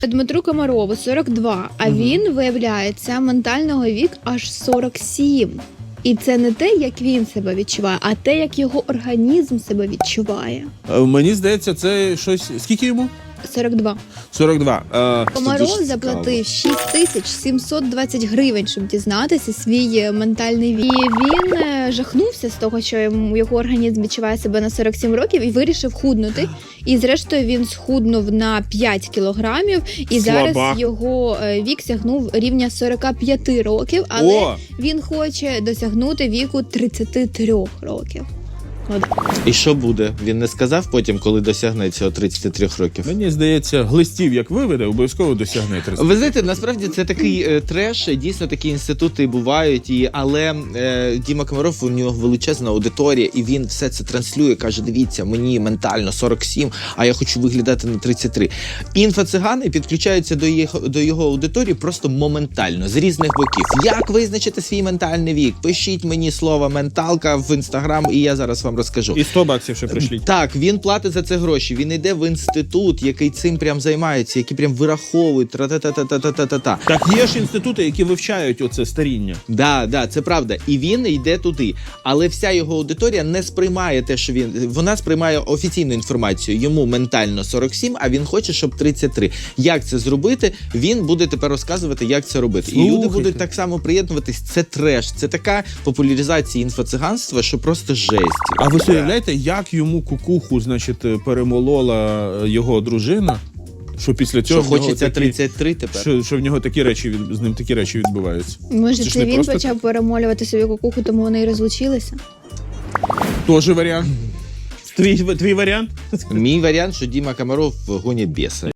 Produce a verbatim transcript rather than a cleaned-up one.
Дмитру Комарову сорок два, а Мгм. він, виявляється, ментального вік аж сорок сім. І це не те, як він себе відчуває, а те, як його організм себе відчуває. Е, Мені здається, це щось. Скільки йому? сорок два. сорок два. Е, Комаров дуже заплатив шість тисяч сімсот двадцять гривень, щоб дізнатися свій е, ментальний вік. І він е, жахнувся з того, що йому його організм відчуває себе на сорок сім років і вирішив худнути. І зрештою він схуднув на п'ять кілограмів, і Слабак. зараз його е, вік сягнув рівня сорок п'ять років, але О! він хоче досягнути віку тридцять три років. От. І що буде? Він не сказав потім, коли досягне цього тридцяти трьох років? Мені здається, глистів, як виведе, обов'язково досягне тридцять. Ви знаєте, насправді це такий е, треш, дійсно такі інститути бувають, і, але е, Діма Комаров, у нього величезна аудиторія, і він все це транслює, каже, дивіться, мені ментально сорок сім, а я хочу виглядати на тридцять три. Інфо-цигани підключаються до його, до його аудиторії просто моментально, з різних боків. Як визначити свій ментальний вік? Пишіть мені слово «менталка» в Інстаграм, і я зараз вам розкажу. І сто баксів ще пришліть. Так, він платить за це гроші. Він йде в інститут, який цим прям займається, який прям вираховують. Тра-та-та-та-та-та-та-та. Так є ж інститути, які вивчають оце старіння. Да, да, це правда. І він йде туди. Але вся його аудиторія не сприймає те, що він. Вона сприймає офіційну інформацію. Йому ментально сорок сім, а він хоче, щоб тридцять три. Як це зробити? Він буде тепер розказувати, як це робити. І люди Слухайте. будуть так само приєднуватись. Це треш. Це така популяризація інфоциганства, що просто жесть. А ви собі уявляєте, як йому кукуху, значить, перемолола його дружина, що після цього Що в нього хочеться такі- тридцять три тепер? Що, що в нього такі речі від- з ним такі речі відбуваються. Може, Це ж це не він просто почав перемолювати собі кукуху, тому вони і розлучилися? Тоже варіант. Твій, твій варіант? Мій варіант, що Діма Комаров гоня біса.